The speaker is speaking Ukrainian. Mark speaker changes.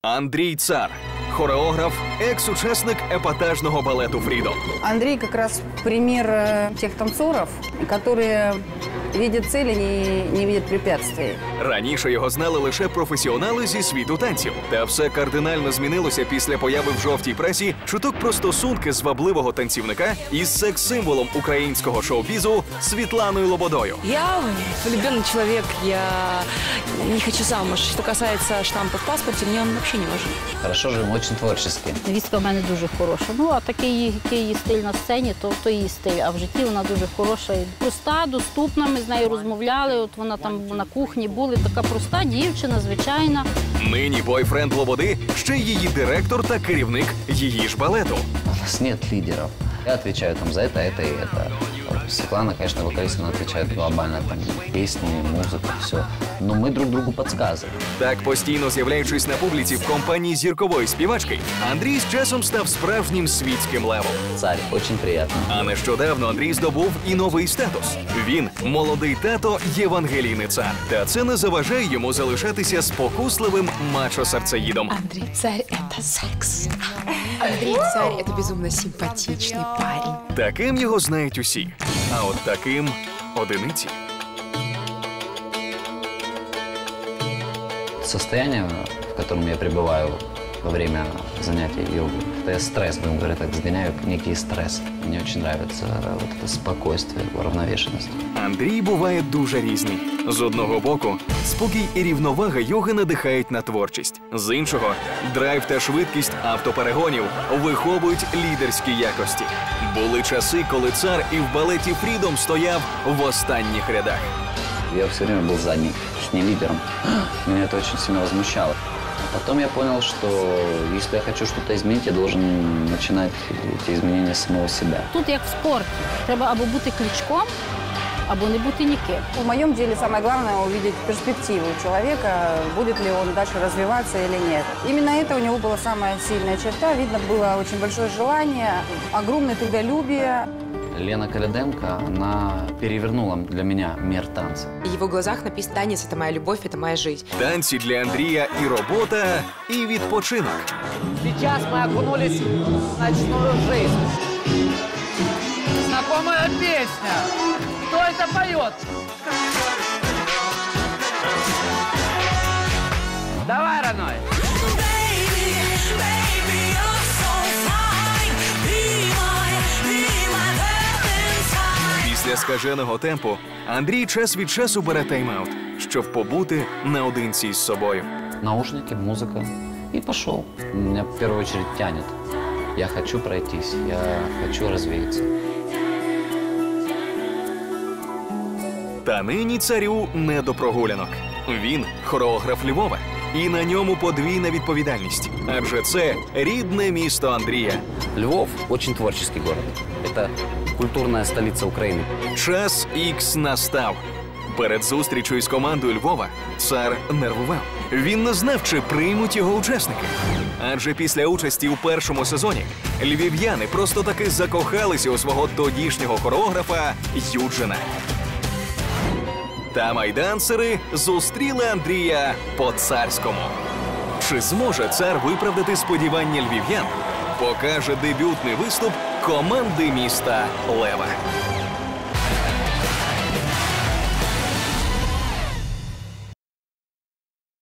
Speaker 1: Андрій Цар – хореограф, екс-учасник епатажного балету «Фрідом».
Speaker 2: Андрей как раз пример тех танцоров, которые видят цели, не видят препятствий.
Speaker 1: Раніше його знали лише професіонали зі світу танців. Та все кардинально змінилося після появи в жовтій пресі чуток про стосунки звабливого танцівника із секс-символом українського шоу-бізу Світланою Лободою.
Speaker 3: Я влюбленный человек, я не хочу замуж. Что касается штампа в паспорте, мне он вообще не важен.
Speaker 4: Хорошо, живем, очень творчески.
Speaker 5: Невістка в мене дуже хороша. Ну, а такий її стиль на сцені, то її стиль. А в житті вона дуже хороша. Проста, доступна, ми з нею розмовляли, от вона там на кухні були. Така проста дівчина, звичайна.
Speaker 1: Нині бойфренд Лободи – ще її директор та керівник її ж балету.
Speaker 4: У нас нет лидеров. Я отвечаю там за это и это. Вот Светлана, конечно, вокалист, она отвечает глобально, там, песни, музыка, все. Но мы друг другу подсказываем.
Speaker 1: Так, постійно з'являючись на публіці в компанії зіркової співачки, Андрій з часом став справжнім світським левом.
Speaker 4: Царь, очень приятно.
Speaker 1: А нещодавно Андрій здобув і новий статус. Він – молодий тато Євангеліни Цар. Та це не заважає йому залишатися спокусливим мачо-серцеїдом.
Speaker 6: Андрей Царь – это секс. Андрей Царь – это безумно симпатичный парень.
Speaker 1: Таким його знають усі. А от таким – одиниці.
Speaker 4: Состояние, в котором я пребываю во время занятий йогой, это стресс, будем говорить так, сгоняю некий стресс. Мне очень нравится вот это спокойствие, уравновешенность.
Speaker 1: Андрій буває дуже різний. З одного боку, спокій і рівновага йоги надихають на творчість. З іншого, драйв та швидкість автоперегонів виховують лідерські якості. Були часи, коли Цар і в балеті «Фрідом» стояв в останніх рядах.
Speaker 4: Я все время был задний, не лидером. Меня это очень сильно возмущало. А потом я понял, что если я хочу что-то изменить, я должен начинать эти изменения с самого себя.
Speaker 5: Тут як в спорті. Треба або бути Кличком, або не бути ніким.
Speaker 2: В моем деле самое главное увидеть перспективу человека, будет ли он дальше развиваться или нет. Именно это у него была самая сильная черта. Видно было очень большое желание, огромное трудолюбие.
Speaker 4: Лена Коляденко, она перевернула для меня мир танца.
Speaker 6: В его глазах написано: танец – это моя любовь, это моя жизнь.
Speaker 1: Танці для Андрія і робота, і відпочинок.
Speaker 7: Сейчас мы окунулись в ночную жизнь. Знакомая песня. Кто это поет? Давай, родной.
Speaker 1: Після скаженого темпу Андрій час від часу бере тайм-аут, щоб побути наодинці з собою.
Speaker 4: Наушники, музыка. И пошел. Меня в первую очередь тянет. Я хочу пройтись, я хочу развеяться.
Speaker 1: Та нині Царю не до прогулянок. Він – хореограф Львова. І на ньому подвійна відповідальність. Адже це рідне місто Андрія.
Speaker 4: Львов – очень творческий город. Это культурная столица Украины.
Speaker 1: Час ікс настав. Перед зустрічю із командою Львова Цар нервував. Він не знав, чи приймуть його учасники. Адже після участі у першому сезоні львів'яни просто таки закохалися у свого тодішнього хореографа Юджина. Та майдансери зустріли Андрія по-царському. Чи зможе Цар виправдати сподівання львів'ян? Покаже дебютний виступ команди міста Лева.